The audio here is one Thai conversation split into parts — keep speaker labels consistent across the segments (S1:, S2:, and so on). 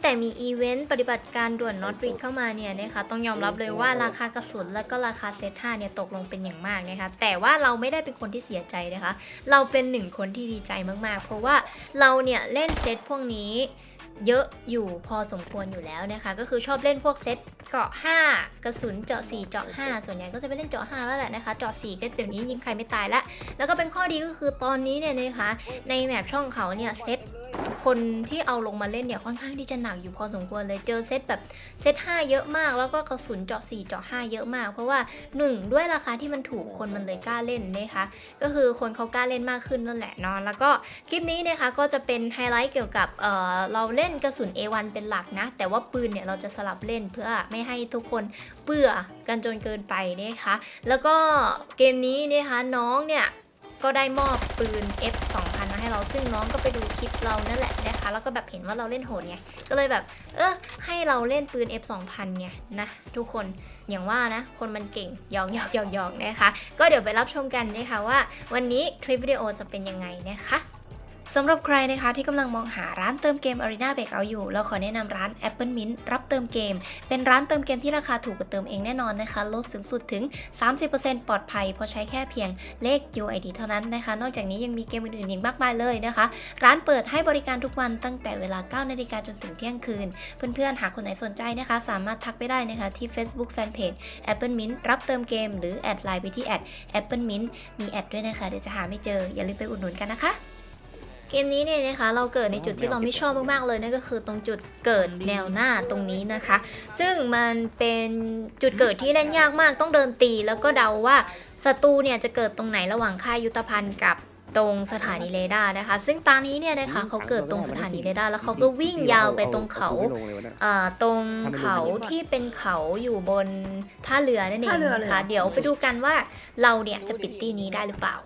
S1: แต่มีอีเวนต์ปฏิบัติการด่วนน็อตรีดเข้ามาเนี่ยนะคะต้องยอมรับเลยว่าราคากระสุนและก็ราคาเซต5เนี่ยตกลงเป็นอย่างมากนะคะแต่ว่าเราไม่ได้เป็นคนที่เสียใจนะคะเราเป็นหนึ่งคนที่ดีใจมากๆเพราะว่าเราเนี่ยเล่นเซตพวกนี้เยอะอยู่พอสมควรอยู่แล้วนะคะก็คือชอบเล่นพวกเซตเกาะ5กระสุนเจาะ4เจาะ5ส่วนใหญ่ก็จะไปเล่นเจาะ5แล้วแหละนะคะเจาะ4ก็เดี๋ยวนี้ยิงใครไม่ตายแล้วก็เป็นข้อดีก็คือตอนนี้เนี่ยนะคะในแมปช่องเขาเนี่ยเซตคนที่เอาลงมาเล่นเนี่ยค่อนข้างที่จะหนักอยู่พอสมควรเลยเจอเซตแบบเซต5เยอะมากแล้วก็กระสุนเจาะ4เจาะ5เยอะมากเพราะว่า1ด้วยราคาที่มันถูกคนมันเลยกล้าเล่นนะคะก็คือคนเขากล้าเล่นมากขึ้นนั่นแหละเนาะแล้วก็คลิปนี้นะคะก็จะเป็นไฮไลท์เกี่ยวกับเราเล่นกระสุน A1 เป็นหลักนะแต่ว่าปืนเนี่ยเราจะสลับเล่นเพื่อไม่ให้ทุกคนเบื่อกันจนเกินไปนะคะแล้วก็เกมนี้นะคะน้องเนี่ยก็ได้มอบปืน F2000 มาให้เราซึ่งน้องก็ไปดูคลิปเรานั่นแหละนะคะแล้วก็แบบเห็นว่าเราเล่นโหดไงก็เลยแบบให้เราเล่นปืน F2000 ไงนะทุกคนอย่างว่านะคนมันเก่งหยอกนะคะก็เดี๋ยวไปรับชมกันนะคะว่าวันนี้คลิปวิดีโอจะเป็นยังไงนะคะสำหรับใครนะคะที่กำลังมองหาร้านเติมเกม Arena Breakout อยู่เราขอแนะนำร้าน Apple Mint รับเติมเกมเป็นร้านเติมเกมที่ราคาถูกกว่าเติมเองแน่นอนนะคะลดสูงสุดถึง 30% ปลอดภัยเพราะใช้แค่เพียงเลข UID เท่านั้นนะคะนอกจากนี้ยังมีเกมอื่นๆอีกมากมายเลยนะคะร้านเปิดให้บริการทุกวันตั้งแต่เวลา 9 นาฬิกาจนถึงเที่ยงคืนเพื่อนๆหากคนไหนสนใจนะคะสามารถทักไปได้นะคะที่ Facebook Fanpage Apple Mint รับเติมเกมหรือแอดไลน์ไปที่ @Apple Mint มีแอดด้วยนะคะเดี๋ยวจะหาไม่เจออย่าลืมไปอุดหนุนกันนะคะเกมนี้เนี่ยนะคะเราเกิดในจุดที่เราไม่ชอบมากๆเลยนั่นก็คือตรงจุดเกิดแนวหน้าตรงนี้นะคะซึ่งมันเป็นจุดเกิดที่เล่นยากมากต้องเดินตีแล้วก็เดาว่าศัตรูเนี่ยจะเกิดตรงไหนระหว่างค่ายยุทธภัณฑ์กับตรงสถานีเรดาร์นะคะซึ่งตอนนี้เนี่ยนะคะเขาเกิดตรงสถานีเรดาร์แล้วเขาก็วิ่งยาวไปตรงเขาตรงเขาที่เป็นเขาอยู่บนท่าเรือนั่นเองนะคะเดี๋ยวไปดูกันว่าเราเนี่ยจะปิดตีนี้ได้หรือเปล่า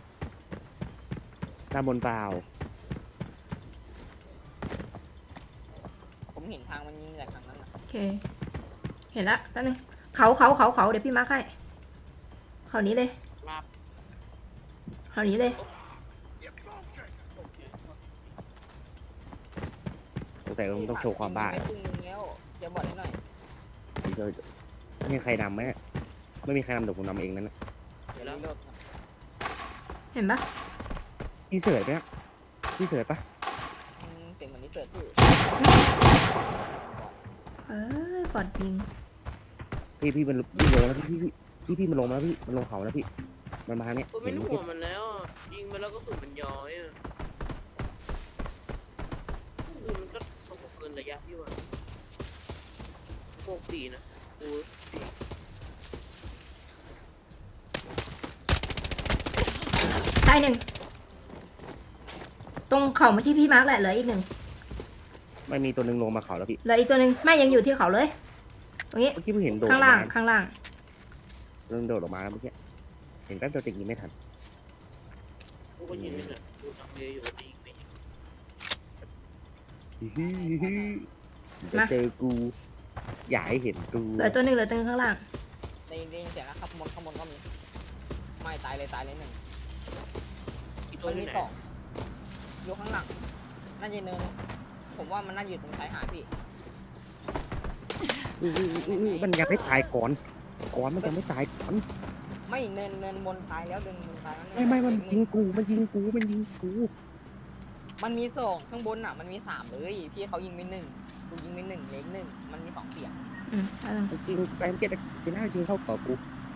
S2: ตามบนเปล่า
S3: ผมเห็นทางมันยิงแต่ทางนั้นนะ
S4: โอเคเห็นละแป๊บนึงเขาเดี๋ยวพี่มาร์คให้เขานี้เลยเขานี้เลย
S2: สงสัยต้องโชว์ความบ้า
S3: ไม่ตึงนึงแล้วจะบอกหน่อย
S2: ไม่มีใครนำไหมไม่มีใครนำเดี๋ยวผมนำเองนั่นแหละ
S3: เดี๋ยวรีโหลด
S4: เห็นปะ
S2: พี่เสิร์ฟไหมพี่เสิร์ฟปะ
S3: เสียงเหมือนนี่เกิดที่
S4: ปอดยิง
S2: พี่มันลงแล้วพี่มันลงแล้วพี่มันลงเขาแล้วพี่มันมาทางนี้
S5: ผมเป็นห่วงมันแล้วยิงไปแล้วก็สุนมันย้อยอ่ะมันก็ต้องเกินระยะพี่ว่าโคกดีนะโอ้ดี
S4: ตายหนึ่งตรงเขามาที่พี่มาร์คแหละเหลืออีกหนึ่ง
S2: ไม่มีตัวนึงลงมาเขาแล้วพี่
S4: เหลืออีกตัวหนึ่งไม่ยังอยู่ที่เขาเลยตรงนี้
S2: เมื่อกี้เพิ่งเห็นโดด
S4: ข้างล่าง
S2: เริ่มโดดออกมาแล้วเมื่อกี้เห็นกันตัวติดยิงไม่ทัน
S5: กูก็ยิงเนี่ยดูทำเยอะอยู่ดีไม่ยิง
S2: จะเจอกูอย่าให้เห็นกู
S4: เหลือตัวหนึ่งข้างล่าง
S3: ได้ยินเสียงแล้วข้างบนก็มีไม่ตายเลยหนึ่ง
S5: อีก
S3: ตั
S5: ตัว ว
S3: ที่
S5: ที่
S3: สองอยู่ข้างหลังน่าจะเนินผมว่ามันน่าอยู่ตรงชายหาดพี่
S2: มันยังไม่ตายก่อนมันยังไม่ตายก่อน
S3: ไม่เนินบนตายแล้วเดินบนตายแล้ว
S2: ไม่มันยิงกูมันยิงกู
S3: มันมีสองข้างบนอ่ะมันมีสามเลยพี่เขายิงไปหนึ่งกูยิงไปหนึ่งเล็กหนึ่งมันมีสองเสียง
S2: จริงไปเมื่อกี้จะน่ายิงเข้าต่อกู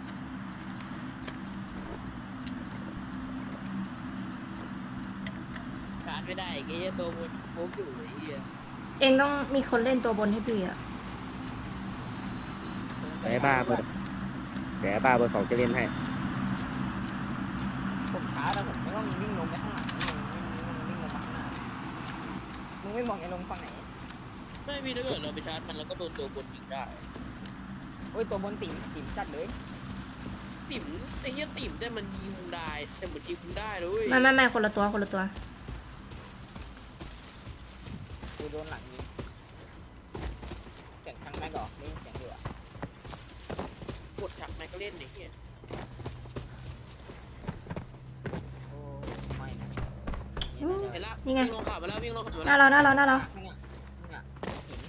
S5: ชาร์จไม่ได้ไอ้เหี้ยตัวมันโคกอยู่ไอ้เหี้ย
S4: เองต้องมีคนเล่นตัวบนให้พี่อะ
S2: แต่บ้าเบอร์2จะเล่นให้
S3: ผมช้าแต่ผมไม่ต้องวิ่งลงไปข้างหลังวิ่งลงมาข้างหน้ามึงไม่บอกไอ้ลงฝั่งไหน
S5: ไม่มีถ้าเกิดเราไปชาร์จมันเราก็โดนตัวบนยิงได้
S3: โอ้ยตัวบนติ่มจัดเลย
S5: ติ๋มไอ้เหี้ยติ๋มแต่มันยิงได้แต่เหมือนยิงได้เลย
S4: ไม่คนละตัว
S3: กูโดนหลังยิงเสียงทางแม็กหรอนี่เสียงเดือด
S5: กดชักแม็กก็เล่นไอ้เหี้ย
S3: โอ้ไม่นะ
S5: เห็นละ
S4: นี่ไง
S5: วิ่งลงขามาแล้ววิ่งลงขามา
S4: หน้า
S5: แล้ว
S4: เรา
S3: เนี่ย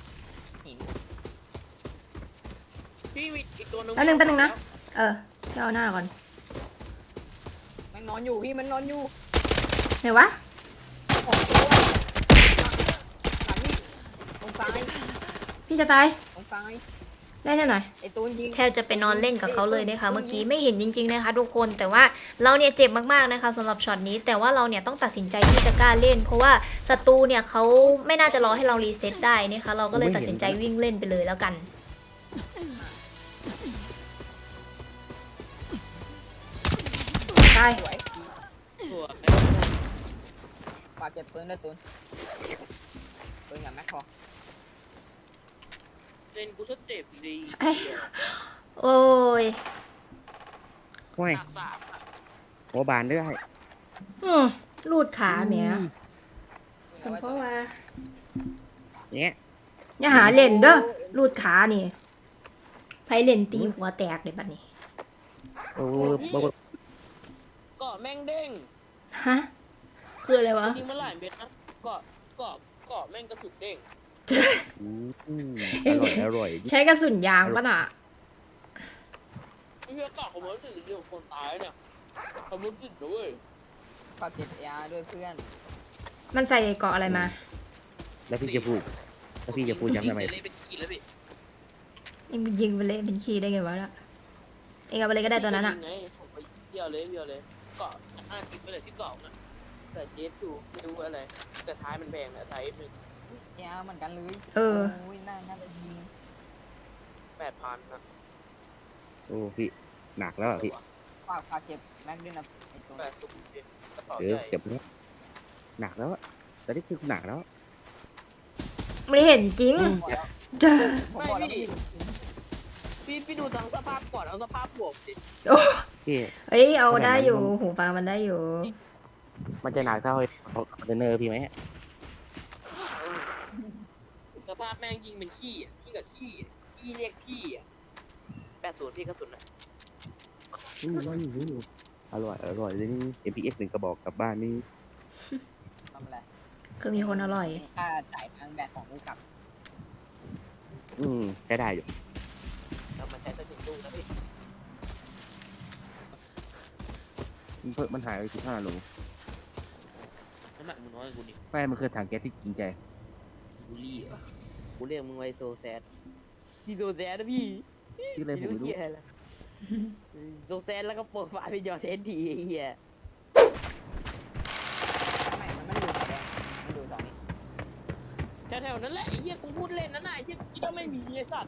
S5: พี่มีอีกตัวหนึง
S4: แป๊บนึงนะ เออพี่เอาหน้าก่อน
S3: มันนอนอยู่พี่มันนอนอยู่
S4: ไหนวะ
S3: โอ้โหหลังนี่ตรงซ้าย
S4: พี่จะตาย
S3: ตรงซ้าย
S4: ได้แน่หน่อย
S3: ไอ้ตูนยิง
S1: แทบจะไปนอนเล่นกับเขาเลยนะคะ เมื่อกี้ไม่เห็นจริงๆนะคะทุกคนแต่ว่าเราเนี่ยเจ็บมากๆนะคะสำหรับช็อตนี้แต่ว่าเราเนี่ยต้องตัดสินใจที่จะกล้าเล่น เพราะว่าศัตรูเนี่ยเขาไม่น่าจะรอให้เรารีเซ็ตได้นะคะเราก็เลยตัดสินใจวิ่งเล่นไปเลยแล้วกัน
S4: ตาย
S3: สวย
S5: สวย
S3: ฝากเก็บปืนด้วยตูนปืนกับแม็กพอ
S5: เล่นกูสเต็ปดี
S4: เอ้ย โอ้ย
S2: ห้วย
S5: หนักสามอะ
S2: หัวบานด้วย
S4: รูดขาแหมสมเพราะว่า
S2: เนี้ย
S4: อย่าหาเล่นเด้อรูดขานี่ไผเล่นตีหัวแตกเลยบัดนี้
S2: โอ้บ
S5: เกาะแม่งเด้ง
S4: ฮะ คืออะไรวะ
S5: ยิงมาหลายเม็ดนะเกาะแม่งกระสุนเด้ง
S2: อร่อย
S4: ใช้กระสุนยางปะน่ะ
S5: ไอ้เหี้ยเกาะผมรู้สึกเกี่ยวกับคนตายเนี่ยผมรู้สึกด้วย
S3: ฝากเก็บยาด้วยเพื่อน
S4: มันใส่เกาะอะไรมา
S2: แล้วพี่จะพูดย้ำทำไม
S5: เลยเป็นกินแล้วพี่
S4: เองยิงไปเลยเป็นคีย์ได้ไงวะล่ะเองเอาไปเลยก็ได้ตัวนั้นอ่ะ
S5: ไงผมไปเที่ยวเลยเกาะ5 ทิปไปเลยที่เกาะนะแต่เจสอยู่ไม่รู้อะไรแต่ท้ายมันแพงนะท้ายนึง
S3: ยาเหมือนกันเลย
S4: เออ
S3: โอ้ยน่าจะยิง
S5: 8,000นะ
S2: โอ้พี่หนักแล้วอ่ะพี่
S3: ฝากเก็บแม็กด้วยนะไอ้ตูน
S5: 80เป็นกระเป๋า
S2: เอ
S5: ให
S2: อ
S5: ญ่
S2: เจ็บแล้วหนักแล้วอ่ะตอนนี้คือหนักแล้ว
S4: ไม่ได้เห็นจริงเด้อ
S3: ผมบอกแล้ว
S5: พี่ดูทั้งสภาพก่อนทั้งสภาพบวกสิ
S4: โอ้
S2: พี่
S4: เฮ้ยเอาได้อยู่หูฟังมันได้อยู่
S2: มันจะหนักเท่าคอนเทนเนอร์พี่ไหม
S5: สภาพแม่งยิงเป็นขี้อ่ะขี้กับขี้อ่ะขี้เรียกขี้อ่ะ80พี่กระสุนอ่ะ
S2: อร่อยเลยนี่ MPX 1 กระบอกกลับบ้านนี่
S3: ทำอะไร
S4: คือมีคนอร่อย
S3: ค่าจ่ายทางแบตของกูกลับ
S2: ใช้ได้อยู่
S5: แล้วมันใช้กระสุนลูกนะพี่
S2: มันหายไป15 โล
S5: น้ำหนักมึงน้อยกว่ากูนี่
S2: ไม่มันคือถังแก๊สที่จริงใจ
S5: กูรีบอ่ะกูเรียกมึงไว้โซแซดที่โซแซดนะพี่
S2: ที่เลยผมไม่รู้
S5: เหี้ยอะไรโซแซดแล้วก็เปิดฝาเป็นยอเทสทีไอ้เหี้ย
S3: ไม่มันไม่ได้ดูแสดงมันดูตอนนี้
S5: แถวๆนั้นแหละไอ้เหี้ยกูพูดเล่นนะน่ะไอ้เหี้ยที่ต้องไม่มีไอ้สัตว์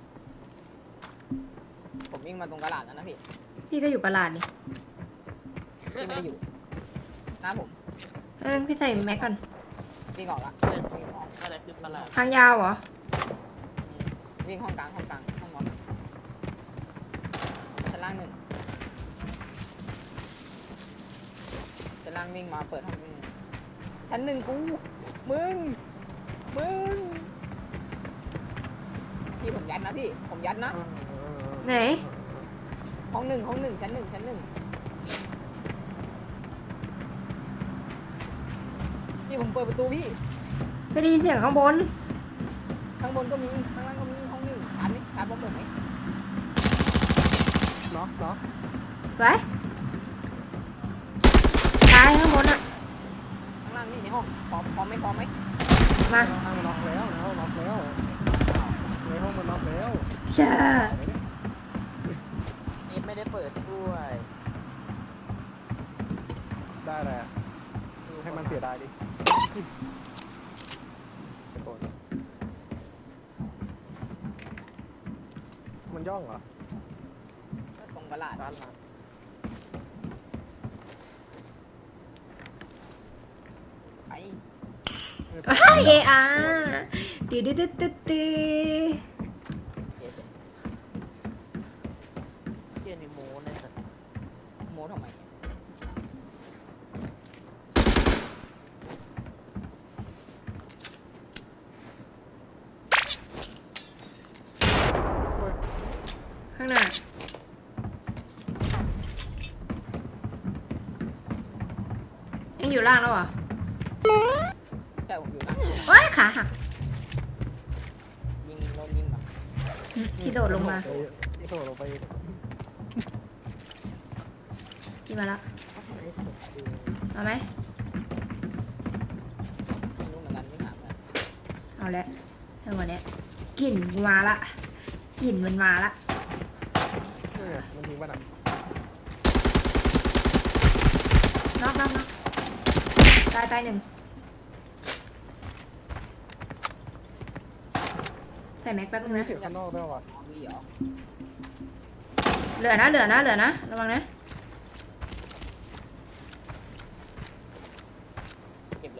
S3: ผมวิ่งมาตรงกระดาษแล้วนะพี่
S4: พี่ก็อยู่กระลาดนี่
S3: พี่ไม่ได้อยู่หน้าผม
S4: พี่ใส่แม็กก่อน
S3: วิ่งออกละวิ่งออก
S5: อะไรคือประหลาด
S4: ทางยาวเหรอ
S3: วิ่งห้องกลางห้องนอนชั้นล่างหนึ่งชั้นล่างวิ่งมาเปิดห้องวิ่งชั้นหนึ่งกูมึงพี่ผมยัดนะพี่ผมยัดนะ
S4: ไหน
S3: ห้องหนึ่งชั้นหนึ่งพี่ผมเปิดประตูพี่
S4: ไม่ได้ยินเสียงข้างบน
S3: ข้างบนก็มีข้างล่างก็มีห้องหนึ่งอ่านไหมอ่านพร้อมผมไหมเนาะ
S4: สวยตายข้างบนอ่ะ
S3: ข้างล่างนี่ในห้องพร้อมไหม
S4: มา
S3: ล็อกแล้วในห้องมันล็อกแล้ว
S4: เจ้า
S5: เอฟไม่ได้เปิดด้วย
S6: ได้แหละให้มันเสียดายดิมันย่องเหรอ
S3: ตรงกระดาษ
S6: ร้านร้าน
S3: ไป
S4: เออาตีดื้อดื้อดื้อดื้อ
S5: เชี่ยในโม้นะสัตว์
S3: โม้ทำไม
S4: ข้างหน้ายังอยู่ล่างแล้วเหรอ
S3: แต่ผมอยู่นะ
S4: ว้ายขาหัก
S3: ยิงโดนยิงแบบ
S4: พี่โดดลงมา
S6: พี่โดดลงไป
S4: พี่มาละเอาไหม
S3: ไม่รู้เหมือนกันไม่ถามเลย
S4: เอาละเท่าวันเนี้ยกลิ่นมาละกลิ่นมันมาละ
S6: เนี่ยมันยิงป่ะน่ะ
S4: น็อกตายหนึ่งใส่แม็กแป๊บนึงนะ
S6: เสียงข้างนอกด้วยว่ะ
S3: มีเหรอ
S4: เหลือนะระวังนะ
S3: เก็บเลย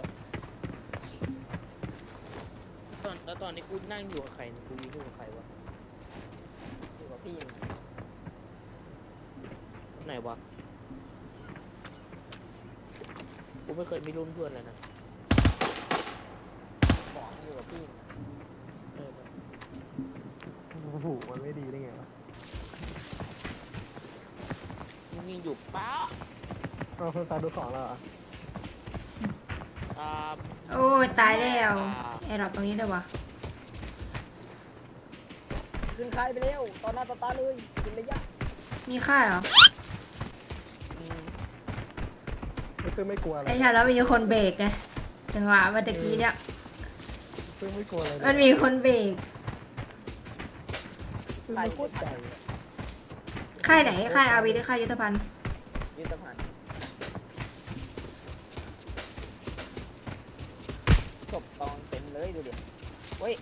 S5: แล้วตอนนี้กูนั่งอยู่กับใครเนี่ยกูยืนอยู่กับใครวะ
S3: อยู่กับพี่
S5: ไหนวะกูไม่เคยมีร่วมเพื่อนเลยนะ
S3: บอกอยู่กับพี่
S5: เออ
S6: โอ้โหมันไม่ดีได้ไงวะ
S5: มึงยิงอยู่ป๊า
S6: เอาเพิ่งตาดูของแล้วเหรอ
S5: อ่า
S4: โอ้ยตายแล้วแอร์ดรอปตรงนี้เลยวะ
S3: ขึ้นค่ายไปเร็วตอนหน้าต่อตาเลยกินระยะ
S4: มีค่ายเหรอ
S6: ซึ่งไม่กลัวอะไร
S4: ไอ้ชาแล้วมีคนเบรกไงจังหวะเมื่อตะกี้เนี่ย
S6: ซึ่งไม่กลัวอะไรเลย
S4: มันมีคนเบรก
S6: ซึ่งไม่โคตรใจอะ
S4: ค่ายไหนค่ายอาวีหรือค่ายยุทธภัณฑ์
S3: ยุทธภัณฑ์ศพตองเต็มเลยดูดิเฮ้ย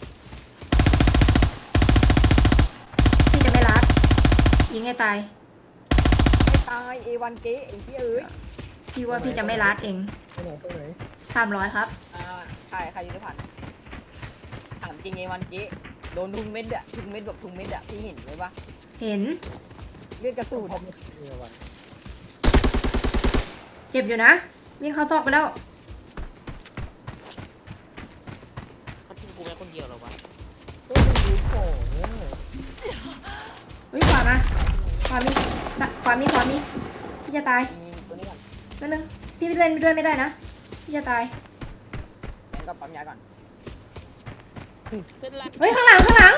S4: พี่จะไม่รัดยิงให้ตาย
S3: ไม่ตายเอวันเก๋ไอ้ที่เอ้ย
S4: พี่ว่าพี่จะไม่รัดเอง
S6: ไปไหนไปไหน
S4: 300ครับ
S3: ใครยุทธภัณฑ์ถามจริงเอวันเก๋โดนทุงเม็ดอะทุงเม็ดแบบทุงเม็ดอะพี่เห็นไหมวะ
S4: เห็น
S3: เลือดกระสุน
S6: พอไม่เนี่ยวัน
S4: เจ็บอยู่นะวิ่งเข้าซอกไปแล้ว
S5: เขาทิ้งกูแค่คนเดียวเหรอวะ
S6: ก็มันดูของเนี่ย
S4: เฮ้ยขวามาขวามีพี่จะตาย
S3: ยิงตัวนี้ก่อน
S4: นั่นนึงพี่เล่นไปด้วยไม่ได้นะพี่จะตาย
S3: งั้นก็ปั๊มยาก่อน
S5: เป็นไร
S4: เฮ้ยข้างหลัง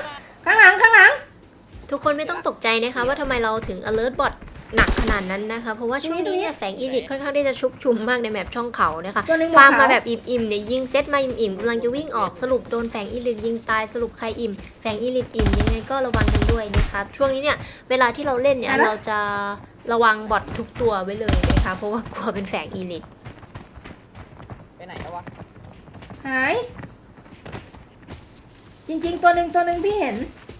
S1: ทุกคนไม่ต้องตกใจนะคะว่าทำไมเราถึง alert bot หนักขนาดนั้นนะคะ เพราะว่าช่วงนี้เนี่ยแฝงอีลิทค่อนข้างที่จะชุกชุมมากในแมปช่องเขานะคะ
S4: ตัวหนึง
S1: ฟาร์มมา
S4: ขว
S1: แบบอิ่มๆเนี่ยยิงเซตมาอิ่มๆกำลังจะวิ่งออกสรุปโดนแฝงอีลิทยิงตายสรุปใครอิ่มแฝงอีลิทอิ่มยังไงก็ระวังกันด้วยนะคะช่วงนี้เนี่ยเวลาที่เราเล่นเนี่ยเราจะระวังบอททุกตัวไว้เลยนะคะเพราะว่ากลัวเป็นแฝงอีลิท
S3: ไปไหนแล้ววะ
S4: หาย จริงๆตัวหนึ่งพี่เห็น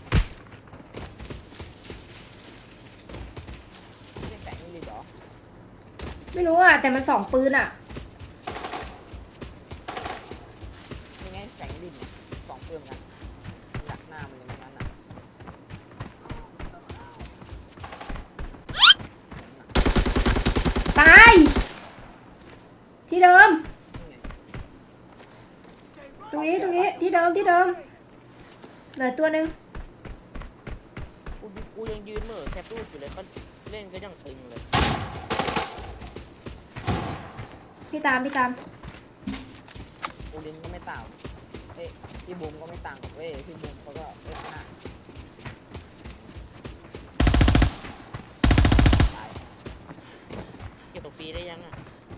S3: ไม่ได้แฝงนี่เลยเหรอ
S4: ไม่รู้อ่ะแต่มันสองปืนอ่ะ
S3: ยังไงแฝงดินเนี่ยสองเพิ่มกันหนักหน้ามันเลยนั้นอ่ะ
S4: ตาย ที่เดิม ตรงนี้ที่เดิมเหลือตัวหนึ่ง
S5: กูยังยืนเหม่อแคปรูปอยู่เลยก็เล่นก็ยังตึงเลย
S4: พี่ตาม
S3: ปูลินก็ไม่ต่างเอ้ยพี่บูมก็ไม่ต่างกับเว้ยพี่บูมเขาก็เล่นหน้าตาย
S5: เก็บตัวปีได้ยังอ่ะ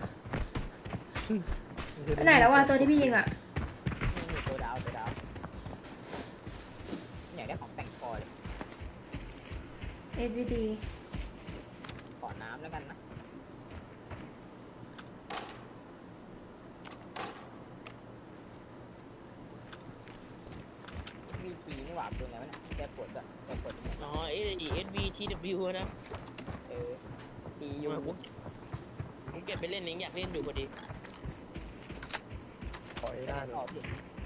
S4: ไปไหนแล้ววะตัวที่พี่ยิงอ่ะ
S3: นี่ตัวดาวอยากได้ของแต่งคอเลย
S4: SVD
S3: ขอน้ำแล้วกันนะวีทีนี่หว่าปืนอะไรวะเนี่ยแกปวดอ่ะแกปวด
S5: อ๋อ SVTW นะ
S3: ตีอยู่
S5: ผมเก็บไปเล่นเองอยากเล่นอยู่พอดี
S6: ขอเอด้าหน่
S3: ต่
S6: อ
S3: อย พี่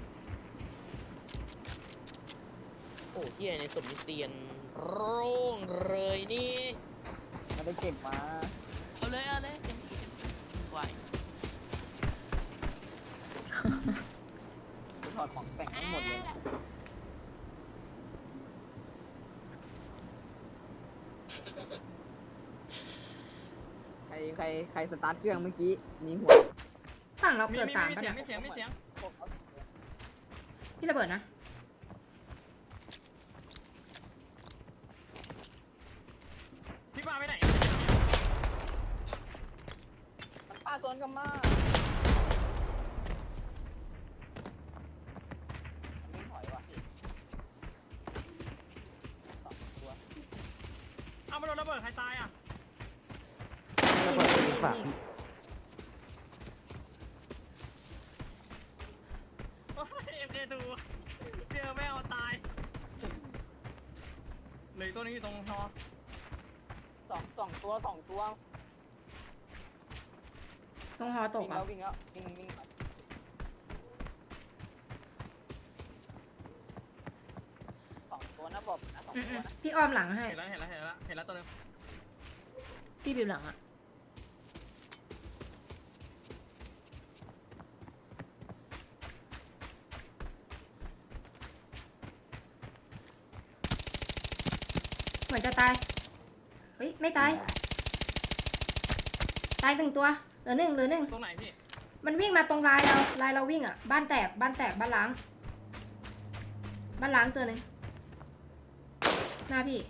S5: โอ้เที่ยในสมนิเตียนโร่งเลยนี่
S3: มันไปเก็บมา
S5: เอาเลยเต็มที่ไหว
S3: ถอดของแต่งทั้งหมดเลยใครสตาร์ทเครื่องเมื่อกี้มีหัว
S4: ฝั่งเราเกิด3ป่ะ
S7: ไม่เสียง
S4: พี่ระเบิด
S3: อนกลับมาวิ่งถอยว่ะพี่สองตัว
S7: เอามาโดนระเบิดใครตายอ่ะ
S2: ระเบิดเป็นฝากพี่
S7: โอ้ย MK2 เจอแม่เอาตายเหลยตัวนี้อยู่ตรงฮอ
S3: สองตัว
S4: ตรงหอตก
S3: วิ่ง
S4: อ่ะ
S3: แล้ววิ่งสองตัวนะบอกนะสองตัวนะ
S4: พี่อ้อมหลังให้
S7: เห็นแล้วตัวนึง
S4: พี่บิวหลังอ่ะเหมือนจะตายเฮ้ยไม่ตายตายหนึ่งตัวเหลือหนึ่ง
S7: ตรงไหนพี่
S4: มันวิ่งมาตรงลายเราวิ่งอ่ะบ้านแตกบ้านล้างตัวหนึ่งหน้าพี่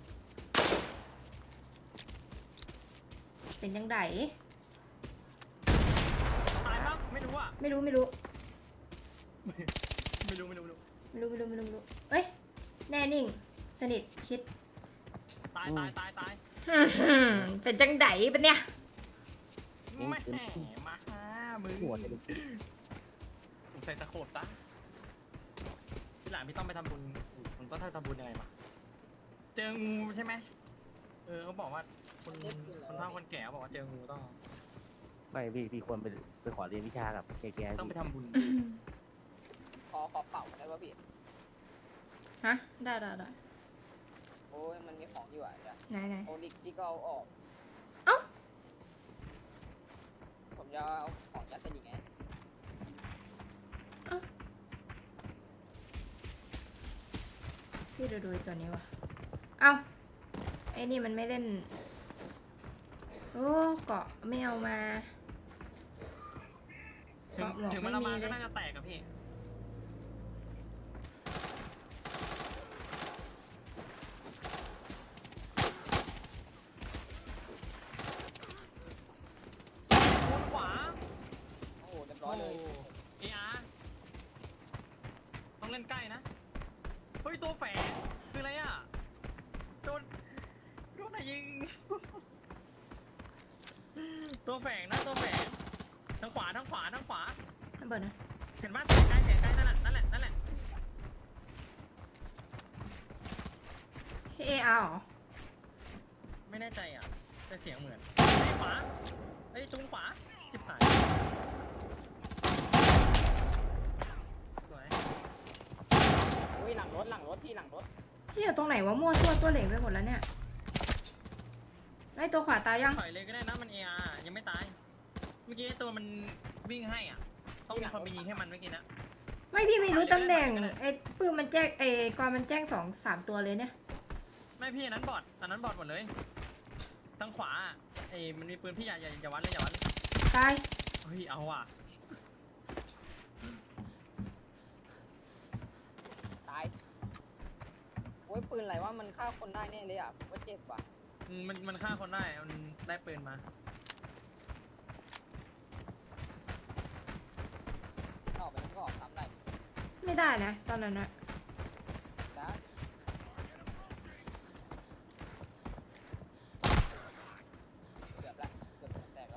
S4: เป็นยังไง
S7: ตายมั้งไม่รู้อ่ะ
S4: ไม่รู้
S7: ไม่รู้
S4: เอ้ยแน่นิ่งสนิทชิด
S7: ตาย
S4: เป็นจังไดปะเนี่ย
S7: ไม่แหมมาหามึง
S2: หัวเลย
S7: ผมใส่ตะโขบซะที่หลังพี่ต้องไปทำบุญผมต้องทำบุญยังไงมาเจองูใช่ไหมเขาบอกว่าคนเฒ่าคนแก่บอกว่าเจองูต้อง
S2: ไม่พี่ควรไปขอเรียนวิชากับแก
S7: ต้องไปทำบุญ
S3: ขอเป่าได้ป่ะพี่
S4: ฮะได้
S3: โอ้ยมันมีของอยู่อ่ะเดี๋ยว
S4: ไหน
S3: โอนิกที่ก็เอาออก
S4: เอ้า
S3: ผมจะเอาของยัดใส่ดิไง
S4: พี่ดูตัวนี้วะเอ้าไอ้นี่มันไม่เล่นโอ้เกาะไม่เอามา
S7: ถึงมันละมาก็น่าจะแตกกับพี่ขวา
S3: โอ้โหเรียบร้อยเลย
S7: AR ต้องเล่นใกล้นะ เฮ้ย ตัวแฝงคืออะไรอ่ะ โดนไหนยิง ตัวแฝงนะตัวแฝงทางขวา
S4: ระเบิดนะ
S7: เห็นว่าแสงใกล้นั่นแหละ
S4: ที่ AR เหรอ
S7: ไม่แน่ใจอ่ะ แต่เสียงเหมือนขวาตรงขวาจิบหายสวย
S3: อุ้ยหลังรถพี่หลังรถ
S4: พี่อยู่ตรงไหนวะมั่วตัวเหล็กไปหมดแล้วเนี่ยไล่ตัวขวาตายยัง
S7: ถอยเลยก็ได้นะมัน AR ยังไม่ตาย เมื่อกี้ตัวมันวิ่งให้อ่ะ ต้องมีคนไปยิงให้มันเมื่อกี้นะ
S4: ไม่พี่ไม่รู้ตำแหน่งไอ้ปืนมันแจ้งไอ้กอนมันแจ้ง2-3 ตัวเลยเนี่ย
S7: ไม่พี่อันนั้นบอทหมดเลยทางขวามันมีปืนพี่อย่าวัดเลย
S4: ตาย
S7: เฮ้ยเอาว่ะ
S3: ตายโอ้ยปืนอะไรวะมันฆ่าคนได้แน่เลยอ่ะผมว่าเจ็บว่ะ
S7: มันฆ่าคนได้มันได้ปืนมา
S3: ออกไปมันก็ออกซ้ำได้
S4: ไม่ได้นะตอนนั้นนะ
S3: นะเกือบแตกแล้ว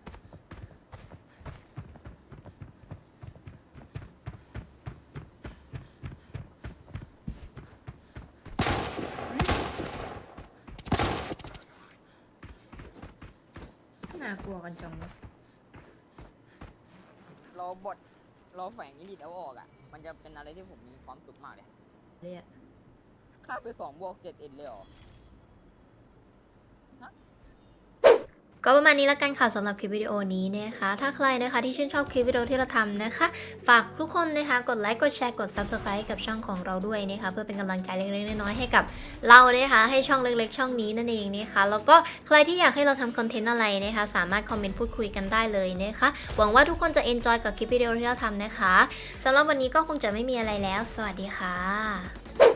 S4: น่ากลัวกันจังวะ
S3: เราแฝงนิดเอาออกอ่ะมันจะเป็นอะไรที่ผมมีความสุขมากเลย
S4: เลยอะ
S3: ฆ่าไป2+7 เอ็นเลยเหรอ
S1: ก็ประมาณนี้ละกันค่ะสำหรับคลิปวิดีโอนี้นะคะ ถ้าใครนะคะที่ชื่นชอบคลิปวิดีโอที่เราทำนะคะ ฝากทุกคนนะคะกดไลค์กดแชร์กด Subscribe กับช่องของเราด้วยนะคะเพื่อเป็นกำลังใจเล็กๆน้อยๆให้กับเรานะคะให้ช่องเล็กๆช่องนี้นั่นเองนะคะแล้วก็ใครที่อยากให้เราทำคอนเทนต์อะไรนะคะสามารถคอมเมนต์พูดคุยกันได้เลยนะคะหวังว่าทุกคนจะ enjoy กับคลิปวิดีโอที่เราทำนะคะสำหรับวันนี้ก็คงจะไม่มีอะไรแล้วสวัสดีค่ะ